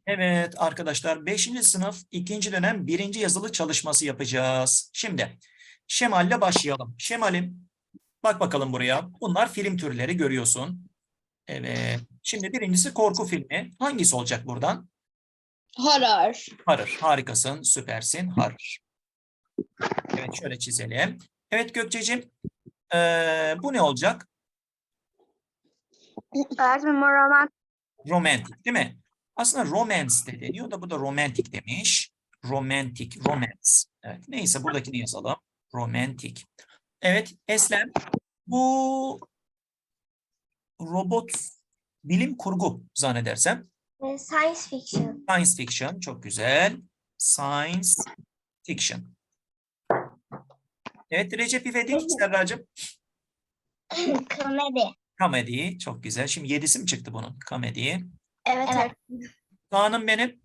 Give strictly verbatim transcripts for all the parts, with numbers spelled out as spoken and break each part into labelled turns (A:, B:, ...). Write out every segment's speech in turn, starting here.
A: Evet arkadaşlar beşinci sınıf ikinci dönem birinci yazılı çalışması yapacağız. Şimdi Şemal'le başlayalım. Şemal'im bak bakalım buraya. Bunlar film türleri görüyorsun. Evet. Şimdi birincisi korku filmi. Hangisi olacak buradan?
B: Horror.
A: Horror. Harikasın, süpersin. Horror. Evet şöyle çizelim. Evet Gökçe'cim ee, bu ne olacak?
C: Öğretmenim roman.
A: Romantik değil mi? Aslında romance de deniyor da bu da romantik demiş. Romantik, romance. Evet, neyse buradakini yazalım. Romantik. Evet, Eslem. Bu robot bilim kurgu zannedersem.
C: Science fiction.
A: Science fiction, çok güzel. Science fiction. Evet, Recep İvedik, Serracığım.
C: Komedi.
A: Komedi, çok güzel. Şimdi yedisi mi çıktı bunun? Komedi.
C: Evet. Evet.
A: Kaan'ım benim.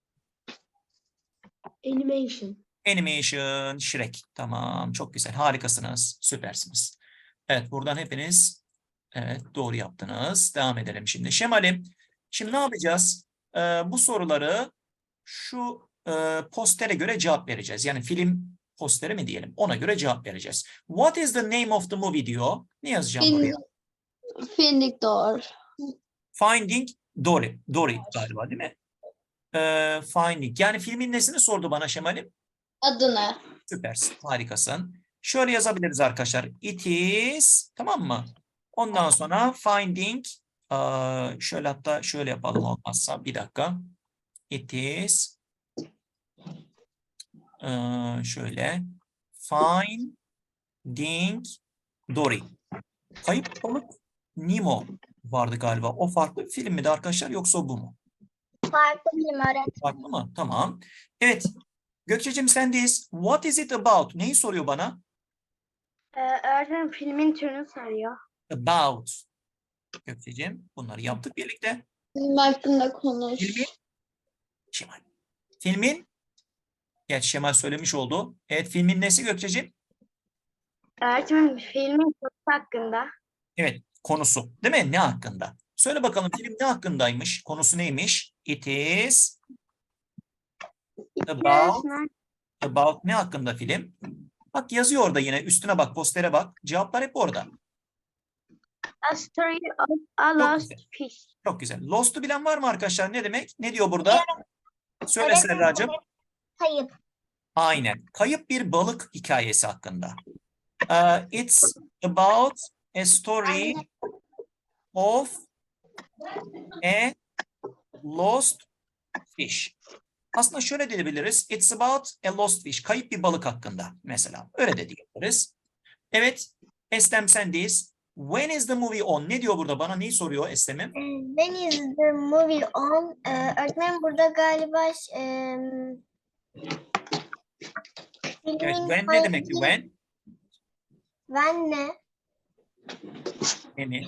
B: Animation.
A: Animation, Shrek. Tamam, çok güzel. Harikasınız, süpersiniz. Evet, buradan hepiniz evet, doğru yaptınız. Devam edelim şimdi. Şemal'im, şimdi ne yapacağız? Ee, bu soruları şu e, postere göre cevap vereceğiz. Yani film posteri mi diyelim? Ona göre cevap vereceğiz. What is the name of the movie diyor. Ne yazacağım buraya?
B: Finding Door.
A: Finding Dory. Dory galiba değil mi? Ee, Finding. Yani filmin nesini sordu bana Şemal'im?
B: Adını.
A: Süpersin, harikasın. Şöyle yazabiliriz arkadaşlar. It is, tamam mı? Ondan sonra finding, aa, şöyle hatta şöyle yapalım olmazsa. Bir dakika. It is, aa, şöyle. Finding Dory. Kayıp Balık Nemo vardı galiba. O farklı bir film miydi arkadaşlar yoksa bu mu?
C: Farklı film öğretmenim.
A: Farklı mı? Tamam. Evet. Gökçe'cim sendeyiz. What is it about? Neyi soruyor bana?
C: Ee, öğretmenim filmin türünü soruyor.
A: About. Gökçe'cim bunları yaptık birlikte.
B: Film hakkında konuş.
A: Filmin Şemal. Filmin gerçi Şemal söylemiş oldu. Evet filmin nesi Gökçe'cim?
C: Öğretmenim filmin konusu hakkında.
A: Evet konusu değil mi? Ne hakkında? Söyle bakalım film ne hakkındaymış? Konusu neymiş? It is about, about ne hakkında film? Bak yazıyor orada yine üstüne bak postere bak. Cevaplar hep orada.
C: A story of a
A: Çok
C: lost
A: güzel.
C: fish.
A: Çok güzel. Lost'u bilen var mı arkadaşlar? Ne demek? Ne diyor burada? Söyle
C: Öğretmenim,
A: Serracığım.
C: Kayıp.
A: Aynen. Kayıp bir balık hikayesi hakkında. Uh, it's about a story of a lost fish. Aslında şöyle diyebiliriz. It's about a lost fish. Kayıp bir balık hakkında mesela. Öyle de diyebiliriz. Evet. Eslem sendeyiz. When is the movie on? Ne diyor burada? Bana neyi soruyor Eslem'im?
C: When is the movie on? Ee, öğretmenim burada galiba e,
A: Evet.
C: filmin
A: When ne demek?
C: hangi-
A: When?
C: When ne?
A: Ne mi?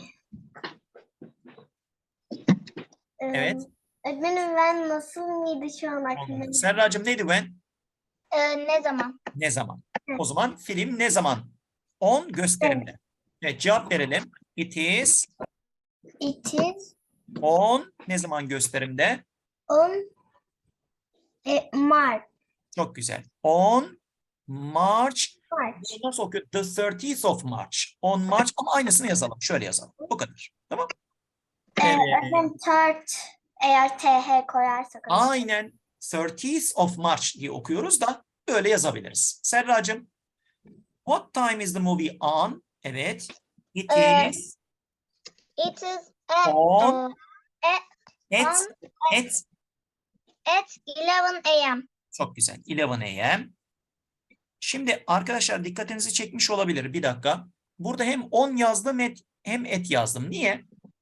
C: Ee,
A: Evet.
C: Öğretmenim when nasıl mıydı şu an aklımda?
A: Serracığım neydi when?
C: Ee, ne zaman?
A: Ne zaman? O zaman film ne zaman? On gösterimde. Evet cevap verelim. It is
C: It is
A: on ne zaman gösterimde?
C: on e, March.
A: Çok güzel. On March.
C: March.
A: Nasıl okuyor? The thirtieth of March. On March ama aynısını yazalım. Şöyle yazalım. Bu kadar. Tamam.
C: Ee,
A: Evet.
C: öğretmenim third eğer T H koyarsak.
A: Aynen. thirtieth of March diye okuyoruz da böyle yazabiliriz. Serracığım. What time is the movie on? Evet. It
C: Ee,
A: is
C: It is at,
A: on
C: e,
A: at
C: on
A: at
C: at eleven A M
A: çok güzel. eleven A M Şimdi arkadaşlar dikkatinizi çekmiş olabilir. Bir dakika. Burada hem on yazdım et, hem et yazdım. Niye?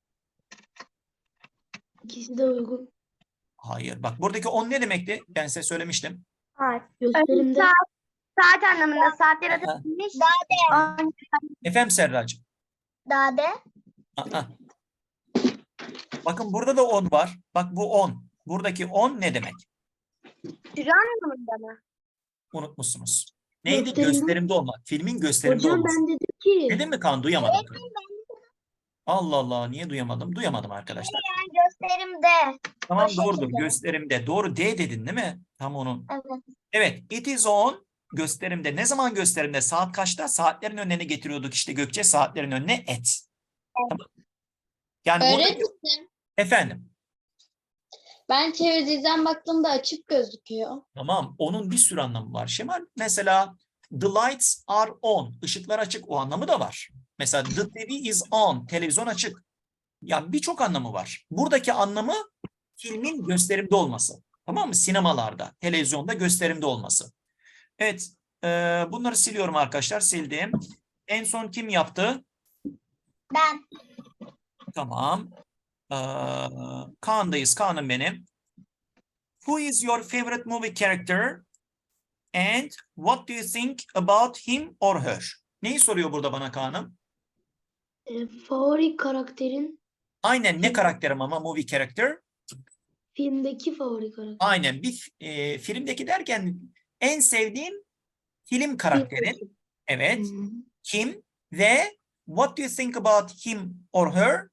B: İkisi de uygun.
A: Hayır. Bak buradaki on ne demekti? Ben size söylemiştim.
C: Saat.
B: Gösterimde.
C: Saat, saat anlamında saatler
A: Aha.
C: atılmış. Dade.
A: Efendim Serracığım.
C: Dade.
A: Aa. Bakın burada da on var. Bak bu on. Buradaki on ne demek?
C: Süre anlamında mı?
A: Unutmuşsunuz. Neydi?
B: Gösterimde.
A: Gösterimde olmak. Filmin gösterimde
B: Hocam
A: olması.
B: ben dedim ki.
A: Dedim mi Kaan? Duyamadım. Allah Allah. Niye duyamadım? Duyamadım arkadaşlar.
C: Yani gösterimde.
A: Tamam
C: O
A: doğrudur.
C: şekilde.
A: Gösterimde. Doğru D dedin değil mi? Tam onun.
C: Evet.
A: Evet. It is on gösterimde. Ne zaman gösterimde? Saat kaçta? Saatlerin önüne getiriyorduk işte Gökçe. Saatlerin önüne at. Tamam. Yani burada
B: Öğretmenim,
A: efendim.
B: ben çevirdiğimden baktığımda açık gözüküyor.
A: Tamam. Onun bir sürü anlamı var Şemal. Mesela the lights are on. Işıklar açık. O anlamı da var. Mesela the T V is on. Televizyon açık. Yani birçok anlamı var. Buradaki anlamı filmin gösterimde olması. Tamam mı? Sinemalarda, televizyonda gösterimde olması. Evet. E, bunları siliyorum arkadaşlar. Sildim. En son kim yaptı?
C: Ben.
A: Tamam. Ee, Kaan'dayız. Kaan'ım benim. Who is your favorite movie character? And what do you think about him or her? Neyi soruyor burada bana Kaan'ım?
B: E, favori karakterin
A: Aynen ne
B: Film.
A: karakterim ama movie character?
B: filmdeki favori karakter.
A: Aynen bir e, filmdeki derken en sevdiğim film karakterin.
B: Filmdeki.
A: Evet.
B: Hmm.
A: Kim ve what do you think about him or her?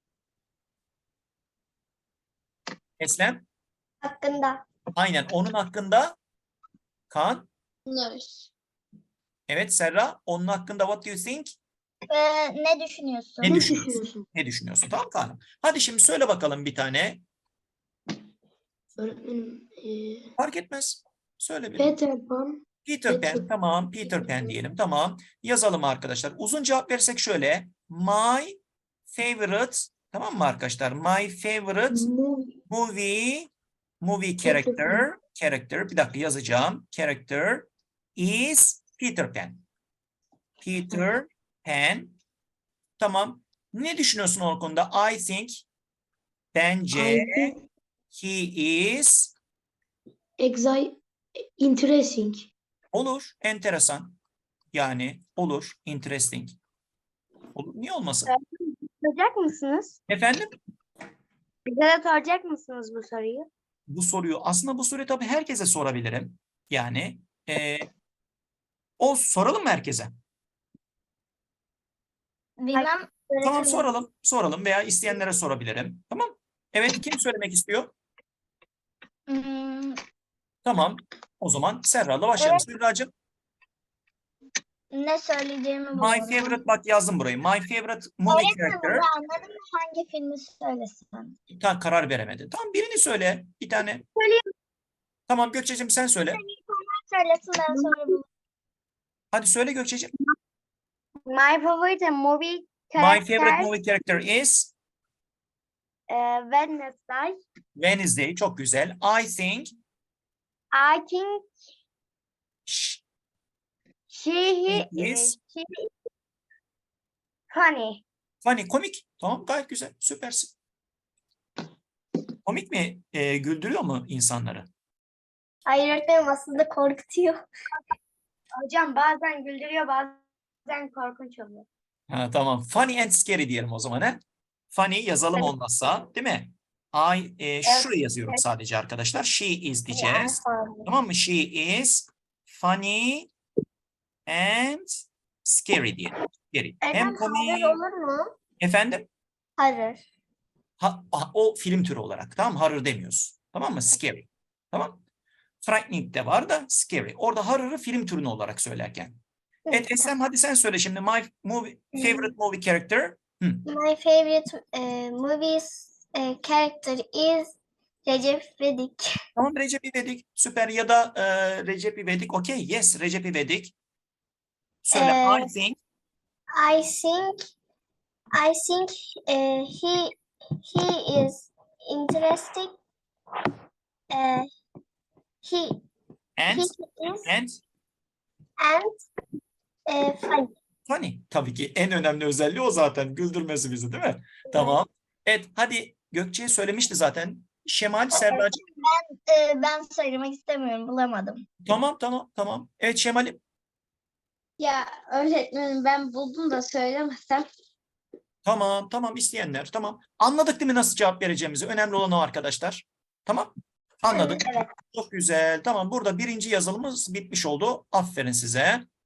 A: Eslem?
C: Hakkında.
A: Aynen onun hakkında. Kaan?
B: Bunlar.
A: Evet Serra. Onun hakkında what do you think?
C: Ee, ne düşünüyorsun?
A: Ne
B: Ne
A: düşünüyorsun?
B: düşünüyorsun?
A: Ne düşünüyorsun? Tamam Kaan'ım. Hadi şimdi söyle bakalım bir tane.
B: Öğretmenim, e,
A: Fark etmez. Söyle bir.
B: Peter Pan.
A: Peter Pan.
B: Peter-
A: Tamam. Peter Pan diyelim. Tamam. Yazalım arkadaşlar. Uzun cevap versek şöyle. My favorite. Tamam mı arkadaşlar? My favorite
B: Movie.
A: movie movie
B: Peter
A: character. Character. Bir dakika yazacağım. Character is Peter Pan. Peter Pan. Tamam. Ne düşünüyorsun o konuda? I think bence
B: I think
A: he is
B: exi- interesting.
A: olur. Enteresan. Yani olur. Interesting. Olur. Niye olmasın?
C: Soracak mısınız?
A: Efendim?
C: Bize de soracak mısınız bu soruyu?
A: Bu soruyu aslında bu soruyu tabii herkese sorabilirim. Yani e, o soralım mı herkese?
C: Bilmem.
A: Tamam soralım. Soralım veya isteyenlere sorabilirim. Tamam. Evet kim söylemek istiyor?
C: Hmm,
A: Tamam. O zaman Serra'la başlayalım. Serracığım.
C: ne söyleyeceğimi
A: My
C: bulamadım.
A: favorite bak yazdım burayı. My favorite movie character.
C: Anladın mı? Hangi filmi söylesem?
A: Ta karar veremedi. Tamam birini söyle. Bir tane.
C: Söyleyeyim.
A: Tamam Gökçe'cim sen söyle.
C: Söylesin ben sonra bulurum.
A: Hadi söyle Gökçe'cim.
C: My favorite movie
A: My favorite movie character is
C: uh, Wednesday.
A: Wednesday. Çok güzel. I think
C: I think
A: sh-
C: she,
A: It
C: he,
A: is-
C: she is funny.
A: funny, komik. Tamam gayet güzel. Süpersin. Komik mi? E, güldürüyor mu insanları?
C: Hayır öğretmenim aslında korkutuyor. Hocam bazen güldürüyor bazen korkunç oluyor.
A: Ha, tamam. Funny and scary diyelim o zaman. He? Funny yazalım
C: Evet.
A: olmazsa değil mi? I, e, şuraya yazıyorum sadece arkadaşlar. She is diyeceğiz. Tamam mı? She is funny and scary diyelim. Scary. Hem komik.
C: olur mu?
A: Efendim?
C: Hayır.
A: Ha, ha, o film türü olarak. Tamam mı? Horror demiyoruz. Tamam mı? Scary. Tamam. Frightening de var da scary. Orada horror'ı film türünü olarak söylerken. Evet Eslem hadi sen söyle şimdi. My movie, favorite movie character. Hı.
C: My favorite uh, movies uh, character is Recep İvedik.
A: Tamam Recep İvedik. Süper. Ya da e, Recep İvedik. Okay. Yes. Recep İvedik. Söyle.
C: Ee,
A: I think.
C: I think I think uh, he he is interesting. Uh, he
A: And.
C: he is
A: And.
C: and uh, funny.
A: Funny. Tabii ki en önemli özelliği o zaten. Güldürmesi bizi değil mi? Tamam. Evet. Hadi Gökçe'ye söylemişti zaten. Şemal, Serracığım.
C: Ee, ben söylemek istemiyorum, bulamadım.
A: Tamam tamam tamam. Evet Şemal'im.
B: Ya öğretmenim ben buldum da söylemesem.
A: Tamam tamam isteyenler. Tamam. Anladık değil mi nasıl cevap vereceğimizi? Önemli olan o arkadaşlar. Tamam. Anladık.
C: Evet.
A: Çok güzel. Tamam burada birinci yazılımız bitmiş oldu. Aferin size.